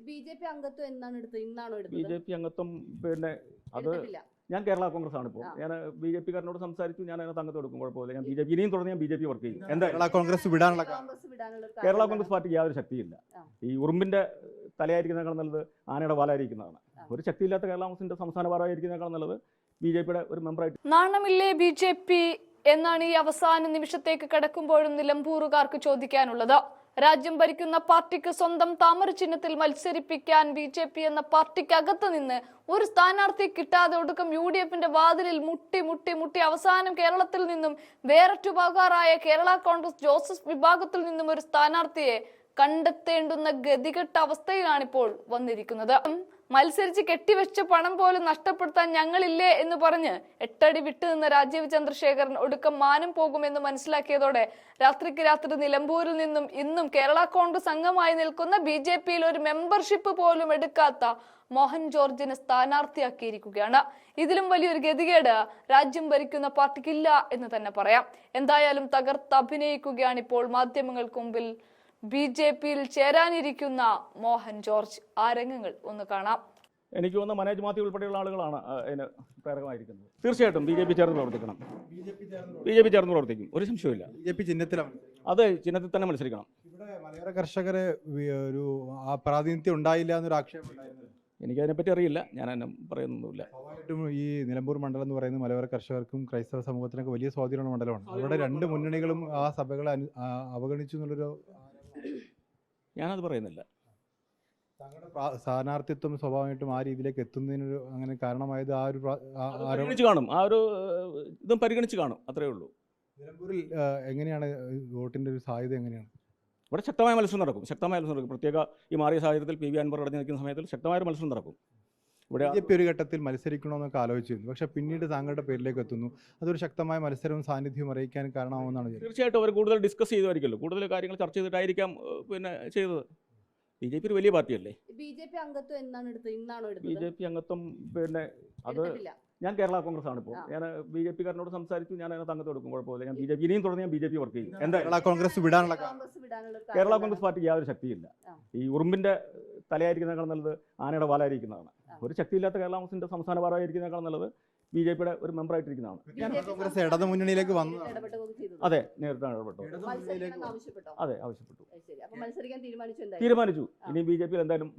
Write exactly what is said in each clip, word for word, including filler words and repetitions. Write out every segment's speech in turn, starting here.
B J P അംഗത്വം എന്നാണ് എടുത്തത്? ഇന്നാണോ എടുത്തത്? ബി ജെ പി അംഗത്വം പിന്നെ അത് ഞാൻ കേരള കോൺഗ്രസ് ആണ് ഇപ്പോൾ. ഞാൻ ബി ജെ പിക്കാരനോട് സംസാരിച്ചു, ഞാൻ അതിനകത്ത് അംഗത്വം എടുക്കും, കുഴപ്പമില്ല. ഞാൻ ബി ജെ പി ഇനിയും തുടർന്ന് ഞാൻ ബി ജെ പി വർക്ക് ചെയ്യും. എന്താ കേരള കോൺഗ്രസ് വിടാനുള്ള കേരള കോൺഗ്രസ് പാർട്ടിക്ക് യാതൊരു ശക്തിയില്ല. ഈ ഉറുമ്പിന്റെ തലയായിരിക്കുന്നതിനേക്കാൾ നല്ലത് ആനയുടെ വാലായിരിക്കുന്നതാണ്. ഒരു ശക്തിയില്ലാത്ത കേരള കോൺഗ്രസിന്റെ സംസ്ഥാന ഭാരമായിരിക്കുന്നതിനേക്കാൾ നല്ലത് ബി ജെ പിയുടെ ഒരു മെമ്പറായിട്ട്. നാണമില്ലേ ബി ജെ പി എന്നാണ് ഈ അവസാന നിമിഷത്തേക്ക് കടക്കുമ്പോഴും നിലമ്പൂറുകാർക്ക് ചോദിക്കാനുള്ളത്. രാജ്യം ഭരിക്കുന്ന പാർട്ടിക്ക് സ്വന്തം താമര ചിഹ്നത്തിൽ മത്സരിപ്പിക്കാൻ ബി ജെ പി എന്ന പാർട്ടിക്കകത്ത് നിന്ന് ഒരു സ്ഥാനാർത്ഥി കിട്ടാതെ ഒടുക്കം യു ഡി എഫിന്റെ വാതിലിൽ മുട്ടി മുട്ടി മുട്ടി അവസാനം കേരളത്തിൽ നിന്നും വേററ്റുപോകാറായ കേരള കോൺഗ്രസ് ജോസഫ് വിഭാഗത്തിൽ നിന്നും ഒരു സ്ഥാനാർത്ഥിയെ കണ്ടെത്തേണ്ടുന്ന ഗതികെട്ട അവസ്ഥയിലാണിപ്പോൾ വന്നിരിക്കുന്നത്. മത്സരിച്ച് കെട്ടിവെച്ച പണം പോലും നഷ്ടപ്പെടുത്താൻ ഞങ്ങളില്ലേ എന്ന് പറഞ്ഞ് എട്ടടി വിട്ടുനിന്ന രാജീവ് ചന്ദ്രശേഖരൻ ഒടുക്കം മാനം പോകുമെന്ന് മനസ്സിലാക്കിയതോടെ രാത്രിക്ക് രാത്രി നിലമ്പൂരിൽ നിന്നും ഇന്നും കേരള കോൺഗ്രസ് അംഗമായി നിൽക്കുന്ന ബി ജെ പിയിൽ ഒരു മെമ്പർഷിപ്പ് പോലും എടുക്കാത്ത മോഹൻ ജോർജിനെ സ്ഥാനാർത്ഥിയാക്കിയിരിക്കുകയാണ്. ഇതിലും വലിയൊരു ഗതികേട് രാജ്യം ഭരിക്കുന്ന പാർട്ടിക്കില്ല എന്ന് തന്നെ പറയാം. എന്തായാലും തകർത്തഭിനയിക്കുകയാണ് ഇപ്പോൾ മാധ്യമങ്ങൾക്ക് മുമ്പിൽ ബി ജെ പിയിൽ ചേരാനിരിക്കുന്ന മോഹൻ ജോർജ്. ആ രംഗങ്ങൾ ഒന്ന് കാണാം. എനിക്ക് തോന്നുന്ന മനോജ് മാത്യു ഉൾപ്പെടെയുള്ള ആളുകളാണ് അതിന് പ്രേരകമായിരിക്കുന്നത്. തീർച്ചയായിട്ടും ബി ജെ പി ചേർന്ന് പ്രവർത്തിക്കണം. ബി ജെ പി ചേർന്ന് പ്രവർത്തിക്കും, ഒരു സംശയമില്ല. ബി ജെ പി ചിഹ്നത്തിലാണ്. അതെ, ചിഹ്നത്തിൽ തന്നെ മത്സരിക്കണം. ഇവിടെ മലയോര കർഷകരെ ഒരു ആ പ്രാതിനിധ്യം ഉണ്ടായില്ല എന്നൊരു ആക്ഷേപം ഉണ്ടായിരുന്നു. എനിക്കതിനെപ്പറ്റി അറിയില്ല, ഞാൻ എന്നെ പറയുന്നൊന്നുമില്ല. സ്വാഭാവികമായിട്ടും ഈ നിലമ്പൂർ മണ്ഡലം എന്ന് പറയുന്നത് മലയോര കർഷകർക്കും ക്രൈസ്തവ സമൂഹത്തിനൊക്കെ വലിയ സ്വാധീനമുള്ള മണ്ഡലമാണ്. അവരുടെ രണ്ട് മുന്നണികളും ആ സഭകളെ അവഗണിച്ചു എന്നുള്ളൊരു ഞാനത് പറയുന്നില്ല. താങ്കളുടെ സ്ഥാനാർത്ഥിത്വം സ്വാഭാവികമായിട്ടും ആ രീതിയിലേക്ക് എത്തുന്നതിനൊരു അങ്ങനെ കാരണമായത് ആ ഒരു പരിഗണിച്ച് കാണും, ആ ഒരു ഇതും പരിഗണിച്ച് കാണും, അത്രയേ ഉള്ളൂ. നിലമ്പൂരിൽ എങ്ങനെയാണ് വോട്ടിൻ്റെ ഒരു സാധ്യത എങ്ങനെയാണ്? ഇവിടെ ശക്തമായ മത്സരം നടക്കും, ശക്തമായ മത്സരം നടക്കും. പ്രത്യേക ഈ മാറിയ സാഹചര്യത്തിൽ പി വി അൻവർ അടഞ്ഞു നിൽക്കുന്ന സമയത്തിൽ ശക്തമായ മത്സരം നടക്കും. ഇവിടെ ബി ജെ പി ഒരു ഘട്ടത്തിൽ മത്സരിക്കണമെന്നൊക്കെ ആലോചിച്ചിരുന്നു, പക്ഷേ പിന്നീട് താങ്കളുടെ പേരിലേക്ക് എത്തുന്നു. അതൊരു ശക്തമായ മത്സരവും സാന്നിധ്യവും അറിയിക്കാൻ കാരണമാവുമെന്നാണ്. തീർച്ചയായിട്ടും അവർ കൂടുതൽ ഡിസ്കസ് ചെയ്തുമായിരിക്കുമല്ലോ, കൂടുതൽ കാര്യങ്ങൾ ചർച്ച ചെയ്തിട്ടായിരിക്കാം പിന്നെ ചെയ്തത്. ബി ജെ പി ഒരു വലിയ പാർട്ടിയല്ലേ. ബി ജെ പി അംഗത്വം എന്നാണ് എടുത്തത്? ഇന്നാണോ എടുത്തത്? ബി ജെ പി അംഗത്വം പിന്നെ അത് ഞാൻ കേരള കോൺഗ്രസ് ആണ് ഇപ്പോൾ. ഞാൻ ബി ജെ പിക്കാരനോട് സംസാരിച്ചു, ഞാൻ അതിനകത്ത് അംഗത്വം എടുക്കും, കുഴപ്പമില്ല. ഞാൻ ബി ജെ പി ഇനിയും തുടർന്ന് ഞാൻ ബി ജെ പി വർക്ക് ചെയ്യും. എന്താ കേരള കോൺഗ്രസ് വിടാനുള്ള കേരള കോൺഗ്രസ് പാർട്ടിക്ക് യാതൊരു ശക്തിയില്ല. ഈ ഉറുമ്പിന്റെ തലയായിരിക്കുന്നതിനേക്കാൾ നല്ലത് ആനയുടെ വാലായിരിക്കുന്നതാണ്. ഒരു ശക്തിയില്ലാത്ത കേരള കോൺഗ്രസിന്റെ സംസ്ഥാന ഭാരമായിരിക്കുന്നതിനേക്കാൾ നല്ലത് ബി ജെ പിയുടെ ഒരു മെമ്പറായിട്ടിരിക്കുന്നതാണ്. കോൺഗ്രസ് ഇടതു മുന്നണിയിലേക്ക് വന്നു. അതെ, നേരിട്ടാണ് ഇടപെട്ടു. അതെ, ആവശ്യപ്പെട്ടു, തീരുമാനിച്ചു. ഇനി ബി ജെ പി എന്തായാലും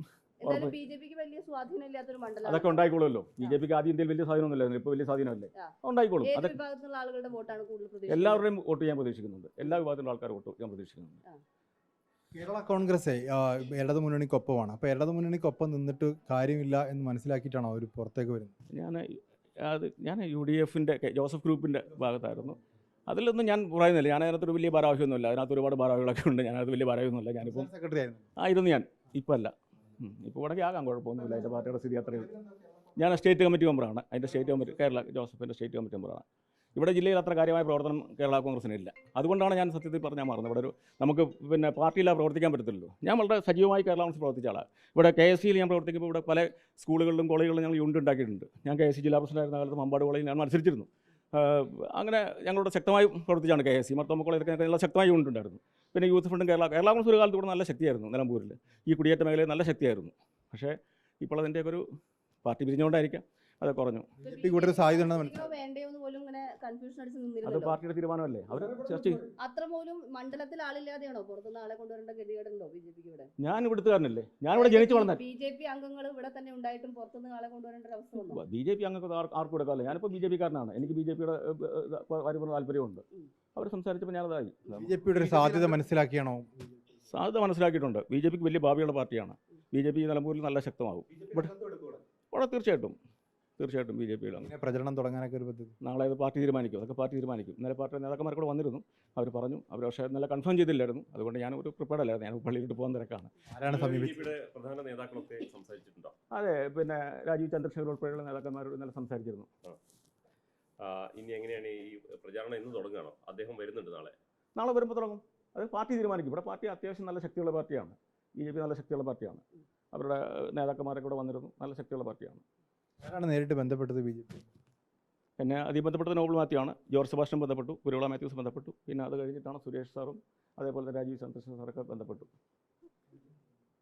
അതൊക്കെ ഉണ്ടായിക്കോളുമല്ലോ. ബി ജെ പിക്ക് ആദ്യം ഇന്ത്യയിൽ വലിയ സ്വാധീനമൊന്നുമില്ലായിരുന്നു, ഇപ്പോൾ വലിയ സ്വാധീനമല്ലേ, ഉണ്ടായിക്കോളും. അതൊക്കെ എല്ലാവരുടെയും വോട്ട് ചെയ്യാൻ പ്രതീക്ഷിക്കുന്നുണ്ട്, എല്ലാ വിഭാഗത്തിലുള്ള ആൾക്കാർ വോട്ട് ചെയ്യാൻ പ്രതീക്ഷിക്കുന്നുണ്ട്. കേരള കോൺഗ്രസ് ഇടതു മുന്നണിക്കൊപ്പമാണ്. അപ്പോൾ ഇടതു മുന്നണിക്കൊപ്പം നിന്നിട്ട് കാര്യമില്ല എന്ന് മനസ്സിലാക്കിയിട്ടാണോ അവർ പുറത്തേക്ക് വരുന്നത്? ഞാൻ അത് ഞാൻ യു ഡി എഫിൻ്റെ ജോസഫ് ഗ്രൂപ്പിൻ്റെ ഭാഗത്തായിരുന്നു. അതിലൊന്നും ഞാൻ പറയുന്നില്ല. ഞാൻ അതിനകത്തൊരു വലിയ ഭാരവാഹിയൊന്നുമില്ല. അതിനകത്ത് ഒരുപാട് ഭാരവാഹികളൊക്കെ ഉണ്ട്. ഞാനത് വലിയ ഭാരവാഹിയൊന്നുമില്ല. ഞാനിപ്പോൾ സെക്രട്ടറി ആയിരുന്നു ആയിരുന്നു. ഞാൻ ഇപ്പോൾ അല്ല. ഇപ്പോൾ ഇവിടേക്ക് ആകാം, കുഴപ്പമൊന്നുമില്ല. അതിൻ്റെ പാർട്ടിയുടെ സ്ഥിതി അത്രയും. ഞാൻ സ്റ്റേറ്റ് കമ്മിറ്റി മെമ്പറാണ്. അതിൻ്റെ സ്റ്റേറ്റ് കമ്മിറ്റി കേരള ജോസഫിൻ്റെ സ്റ്റേറ്റ് കമ്മിറ്റി മെമ്പറാണ്. ഇവിടെ ജില്ലയിൽ അത്ര കാര്യമായ പ്രവർത്തനം കേരള കോൺഗ്രസിനില്ല. അതുകൊണ്ടാണ് ഞാൻ സത്യത്തിൽ പറഞ്ഞാൽ മാറുന്നത്. ഇവിടെ ഒരു നമുക്ക് പിന്നെ പാർട്ടിയിലാണ് പ്രവർത്തിക്കാൻ പറ്റത്തില്ലല്ലോ. ഞാൻ വളരെ സജീവമായി കേരള കോൺഗ്രസ് പ്രവർത്തിച്ച ആളാണ്. ഇവിടെ കെ എസ് സിയിൽ ഞാൻ പ്രവർത്തിക്കുമ്പോൾ ഇവിടെ പല സ്കൂളുകളിലും കോളേജുകളിലും ഞങ്ങൾ യൂണിറ്റ് ഉണ്ടാക്കിയിട്ടുണ്ട്. ഞാൻ കെ എസ് സി ജില്ലാ പ്രസിഡന്റായിരുന്ന കാലത്ത് മമ്പാട് കോളേജിൽ ഞാൻ മത്സരിച്ചിരുന്നു. അങ്ങനെ ഞങ്ങളുടെ ശക്തമായി പ്രവർത്തിച്ചാണ് കെ എസ് സി മർത്തോമ കോളേജിലൊക്കെ നല്ല ശക്തമായ യൂണിറ്റ് ഉണ്ടായിരുന്നു. പിന്നെ യൂത്ത് ഫണ്ടും കേരള കേരള കോൺഗ്രസ് ഒരു കാലത്ത് ഇവിടെ നല്ല ശക്തിയായിരുന്നു. നിലമ്പൂരിൽ ഈ കുടിയേറ്റ മേഖലയിൽ നല്ല ശക്തിയായിരുന്നു. പക്ഷേ ഇപ്പോൾ അതിൻ്റെയൊക്കെ ഒരു പാർട്ടി പിരിഞ്ഞുകൊണ്ടായിരിക്കാം അത് കുറഞ്ഞു. അത് പാർട്ടിയുടെ തീരുമാനമല്ലേ, അവർ ചർച്ച ചെയ്യും. മണ്ഡലത്തിൽ ആളില്ലാതെയാണോ പുറത്തുനിന്ന് ആളെ കൊണ്ടുവരേണ്ട ഗതികേടുണ്ടോ ബി ജെ പിക്ക്? ഇവിടെ ഞാൻ ഇവിടുത്തുകാരനല്ലേ, ഞാൻ ഇവിടെ ജനിച്ചു വളർന്ന ബി ജെ പി അംഗങ്ങൾ ഇവിടെ തന്നെ ഉണ്ടായിട്ടും പുറത്തുനിന്ന് ആളെ കൊണ്ടുവരേണ്ട ഒരു അവസ്ഥ വന്നു. ബി ജെ പി അംഗങ്ങൾക്ക് ആർക്കും എടുക്കാമല്ലോ. ഞാനിപ്പോൾ ബി ജെ പിക്കാരനാണ്. എനിക്ക് ബി ജെ പിയുടെ വരുന്ന താല്പര്യമുണ്ട്. അവർ സംസാരിച്ചപ്പോൾ ഞാനതായി. ബി ജെ പിയുടെ സാധ്യത മനസ്സിലാക്കിയാണോ? സാധ്യത മനസ്സിലാക്കിയിട്ടുണ്ട്. ബി ജെ പിക്ക് വലിയ ഭാവിയുള്ള പാർട്ടിയാണ്. ബി ജെ പി നിലമ്പൂരിൽ നല്ല ശക്തമാകും. ഇവിടെ ഇവിടെ തീർച്ചയായിട്ടും തീർച്ചയായിട്ടും ബി ജെ പിയുടെ പ്രചരണം തുടങ്ങാനൊക്കെ ഒരു പദ്ധതി നാളെ അത് പാർട്ടി തീരുമാനിക്കും. അതൊക്കെ പാർട്ടി തീരുമാനിക്കും. ഇന്നലെ പാർട്ടി നേതാക്കന്മാർ കൂടെ വന്നിരുന്നു. അവർ പറഞ്ഞു. അവർ പക്ഷേ ഇന്നലെ കൺഫേം ചെയ്തില്ലായിരുന്നു. അതുകൊണ്ട് ഞാൻ ഒരു പ്രിപ്പയർഡ് അല്ലായിരുന്നു. ഞാൻ പള്ളിയിലോട്ട് പോകാൻ തിരക്കാണ്. ആരാണ് സമീപിച്ചത്? പ്രധാന നേതാക്കളൊക്കെ സംസാരിച്ചിട്ടുണ്ടോ? അതെ, പിന്നെ രാജീവ് ചന്ദ്രശേഖർ ഉൾപ്പെടെയുള്ള നേതാക്കന്മാരോട് ഇന്നലെ സംസാരിച്ചിരുന്നു. ഇനി എങ്ങനെയാണ് ഈ പ്രചാരണം എന്ന് തുടങ്ങുകയാണോ? അദ്ദേഹം വരുന്നുണ്ട് നാളെ നാളെ വരുമ്പോൾ തുടങ്ങും. അത് പാർട്ടി തീരുമാനിക്കും. ഇവിടെ പാർട്ടി അത്യാവശ്യം നല്ല ശക്തിയുള്ള പാർട്ടിയാണ്. ബി ജെ പി നല്ല ശക്തിയുള്ള പാർട്ടിയാണ്. അവരുടെ നേതാക്കന്മാരൊക്കെ കൂടെ വന്നിരുന്നു. നല്ല ശക്തിയുള്ള പാർട്ടിയാണ്. ആരാണ് നേരിട്ട് ബന്ധപ്പെട്ടത് ബി ജെ പി? പിന്നെ അതി ബന്ധപ്പെട്ടത് നോബിൾ മാത്യു ആണ്. ജോർജ് സെബാസ്റ്റ്യൻ ബന്ധപ്പെട്ടു. കുരുവിള മാത്യൂസ് ബന്ധപ്പെട്ടു. പിന്നെ അത് കഴിഞ്ഞിട്ടാണ് സുരേഷ് സാറും അതേപോലെ തന്നെ രാജീവ് ചന്ദ്രശേഖർ സാറൊക്കെ ബന്ധപ്പെട്ടു.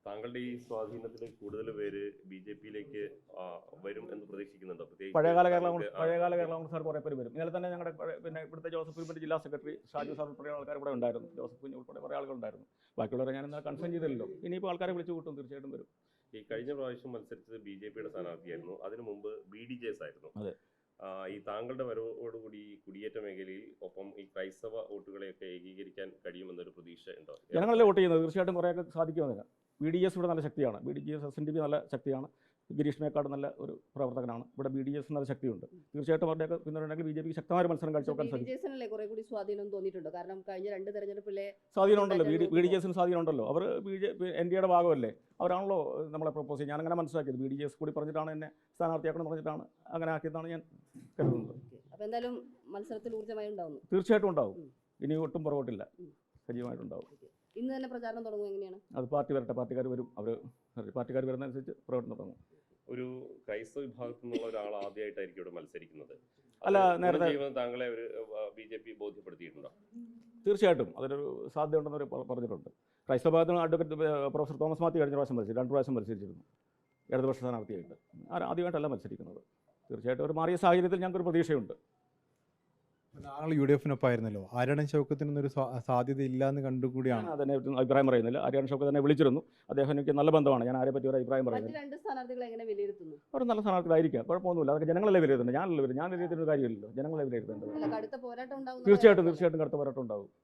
താങ്കളുടെ ഈ സ്വാധീനത്തിൽ കൂടുതൽ പേര് ബി ജെ പിയിലേക്ക് വരും എന്ന് പ്രതീക്ഷിക്കുന്നുണ്ടോ? പ്രത്യേകിച്ച് പഴയകാല കേരള കോൺഗ്രസ് താങ്കൾക്ക്, ആ, പഴയകാല കേരള കോൺഗ്രസ്സുകാർ കുറേ പേര് വരും. ഇന്നലെ തന്നെ ഞങ്ങളുടെ പഴയ- പിന്നെ ഇവിടുത്തെ ജോസഫ് കുഞ്ഞിൻ്റെ ജില്ലാ സെക്രട്ടറി ഷാജു സാർ ഉൾപ്പെടെ ആൾക്കാർ ഇവിടെ ഉണ്ടായിരുന്നു. ജോസഫ് കുഞ്ഞ് ഉൾപ്പെടെ കുറേ ആളുകളുണ്ടായിരുന്നു. ബാക്കിയുള്ളവരെ ഞാൻ ഇന്നലെ കൺഫേം ചെയ്തില്ലല്ലോ. ഇനിയിപ്പോൾ ആൾക്കാരെ വിളിച്ചു കൂട്ടും, തീർച്ചയായിട്ടും വരും. ഈ കഴിഞ്ഞ പ്രാവശ്യം മത്സരിച്ചത് ബി ജെ പിയുടെ സ്ഥാനാർത്ഥിയായിരുന്നു. അതിനു മുമ്പ് ബി ഡി ജെ എസ് ആയിരുന്നു. അതെ. ആ, ഈ താങ്കളുടെ വരവോടുകൂടി ഈ കുടിയേറ്റ മേഖലയിൽ ഒപ്പം ഈ ക്രൈസ്തവ വോട്ടുകളെയൊക്കെ ഏകീകരിക്കാൻ കഴിയുമെന്നൊരു പ്രതീക്ഷ ഉണ്ടോ? ജനങ്ങളല്ലേ വോട്ട് ചെയ്യുന്നത്, തീർച്ചയായിട്ടും കുറേയൊക്കെ സാധിക്കുമെന്നില്ല. ബി ഡി എസ് ഇവിടെ നല്ല ശക്തിയാണ്. B D J S S N D P നല്ല ശക്തിയാണ്. ഗിരീഷ് മേക്കാട് നല്ല ഒരു പ്രവർത്തകനാണ്. ഇവിടെ ബി ഡി എസ് നല്ല ശക്തിയുണ്ട്. തീർച്ചയായിട്ടും അവരുടെയൊക്കെ പിന്തുണയുണ്ടെങ്കിൽ ബി ജെ പിക്ക് ശക്തമായ ഒരു മത്സരം കാഴ്ചവെക്കാൻ ബി ഡി സാധിക്കും. ജെ എസിനല്ലേ കുറെ കൂടി സ്വാധീനം തോന്നിയിട്ടുണ്ടോ? കാരണം കഴിഞ്ഞ രണ്ട് തെരഞ്ഞെടുപ്പിലെ സ്വാധീനമുണ്ടല്ലോ, B D B D J എസിന് സ്വാധീനമുണ്ടല്ലോ. അവർ B J P N D എയുടെ ഭാഗമല്ലേ, അവരാണല്ലോ നമ്മളെ പ്രപ്പോസ് ചെയ്യുന്നത്. ഞാനങ്ങനെ മനസ്സിലാക്കിയത് ബി ഡി ജി എസ് കൂടി പറഞ്ഞിട്ടാണ് എന്നെ സ്ഥാനാർത്ഥിയാക്കണം പറഞ്ഞിട്ടാണ് അങ്ങനെ ആക്കിയതാണ് ഞാൻ കരുതുന്നത്. അപ്പൊ എന്തായാലും മത്സരത്തിൽ ഊർജ്ജമായി ഉണ്ടാവുന്നു. തീർച്ചയായിട്ടും ഉണ്ടാവും. ഉം. ഇനി ഒട്ടും പുറകോട്ടില്ല, ഉം. സജീവമായിട്ടുണ്ടാവും. ഇന്ന് തന്നെ പ്രചാരണം തുടങ്ങും എങ്ങനെയാണ്? അത് പാർട്ടി വരട്ടെ, പാർട്ടിക്കാർ വരും. അവർ പാർട്ടിക്കാർ വരുന്നതനുസരിച്ച് പ്രവർത്തനം തുടങ്ങും. ഒരു ക്രൈസ്തവ വിഭാഗത്തിൽ നിന്നുള്ള ഒരാൾ ആദ്യമായിട്ടായിരിക്കും ഇവിടെ മത്സരിക്കുന്നത്. അല്ല, അത് നേരത്തെ- ഗുണം ചെയ്യുമെന്ന് താങ്കളെ ഒരു ബി ജെ പി ബോധ്യപ്പെടുത്തിയിട്ടുണ്ടോ? തീർച്ചയായിട്ടും അതിനൊരു സാധ്യതയുണ്ടെന്ന് അവർ പറഞ്ഞിട്ടുണ്ട്. ക്രൈസ്തവ ഭാഗത്തിന് അഡ്വക്കേറ്റ് പ്രൊഫസർ തോമസ് മാത്യു കഴിഞ്ഞ പ്രാവശ്യം മത്സരിച്ചു, രണ്ട് പ്രാവശ്യം മത്സരിച്ചിരുന്നു ഇടതുപക്ഷ സ്ഥാനാർത്ഥിയായിട്ട്. ആദ്യമായിട്ടല്ല മത്സരിക്കുന്നത്. തീർച്ചയായിട്ടും ഒരു മാറിയ സാഹചര്യത്തിൽ ഞങ്ങൾക്കൊരു പ്രതീക്ഷയുണ്ട്. താങ്കൾ യു ഡി എഫിനൊപ്പമായിരുന്നല്ലോ. ആര്യടൻ ഷൗക്കത്തിനൊന്നൊരു സാധ്യത ഇല്ല എന്ന് കണ്ടുകൂടിയാണ്. ഞാൻ അതിനെ പറ്റി അഭിപ്രായം പറയുന്നില്ല. ആര്യാൻ ഷൗക്കത്ത് തന്നെ വിളിച്ചിരുന്നു. അദ്ദേഹം എനിക്ക് നല്ല ബന്ധമാണ്. ഞാൻ ആരെ പറ്റി ഒരു അഭിപ്രായം മറ്റ് പറയുന്നില്ല. രണ്ട് സ്ഥാനാർത്ഥികളെ എങ്ങനെ വിലയിരുത്തുന്നു? അവർ നല്ല സ്ഥാനാർത്ഥികളായിരിക്കാം, കുഴപ്പമൊന്നുമില്ല. അതൊക്കെ ജനങ്ങളെ വിലയിരുത്തുന്നത്. ഞാനല്ല വിലയിരുത്തുന്നത്. ഞാൻ വിലയിരുത്തുന്ന ഒരു കാര്യമില്ലല്ലോ, ജനങ്ങളെ വിലയിരുത്തേണ്ടത്. അല്ല, കടുത്ത പോരാട്ടം ഉണ്ടാവും. തീർച്ചയായിട്ടും തീർച്ചയായിട്ടും കടുത്ത പോരാട്ടം ഉണ്ടാവും.